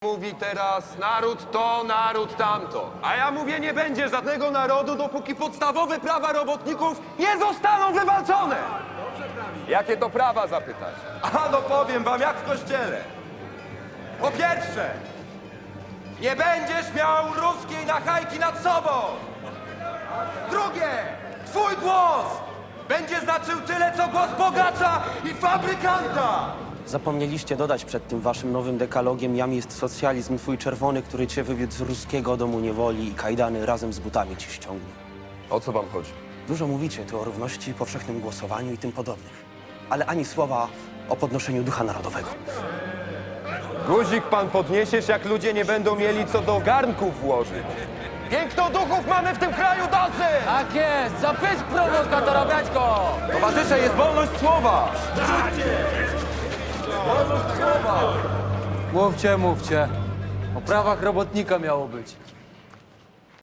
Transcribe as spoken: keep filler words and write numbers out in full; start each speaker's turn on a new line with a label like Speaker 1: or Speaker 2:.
Speaker 1: Mówi teraz naród to, naród tamto. A ja mówię, nie będzie żadnego narodu, dopóki podstawowe prawa robotników nie zostaną wywalczone. Jakie to prawa, zapytać? A no powiem wam, jak w kościele. Po pierwsze, nie będziesz miał ruskiej nachajki nad sobą. Drugie, twój głos będzie znaczył tyle, co głos bogacza i fabrykanta.
Speaker 2: Zapomnieliście dodać przed tym waszym nowym dekalogiem: jam jest socjalizm twój czerwony, który cię wywiódł z ruskiego domu niewoli i kajdany razem z butami ci ściągnie.
Speaker 1: O co wam chodzi?
Speaker 2: Dużo mówicie tu o równości, powszechnym głosowaniu i tym podobnych, ale ani słowa o podnoszeniu ducha narodowego.
Speaker 1: Guzik pan podniesiesz, jak ludzie nie będą mieli co do garnków włożyć. Pięknoduchów mamy w tym kraju dosyć!
Speaker 3: Tak jest! Zapysk prowokatora, brać go!
Speaker 1: Towarzysze, jest wolność słowa! Wolność słowa!
Speaker 3: Mówcie, mówcie. O prawach robotnika miało być.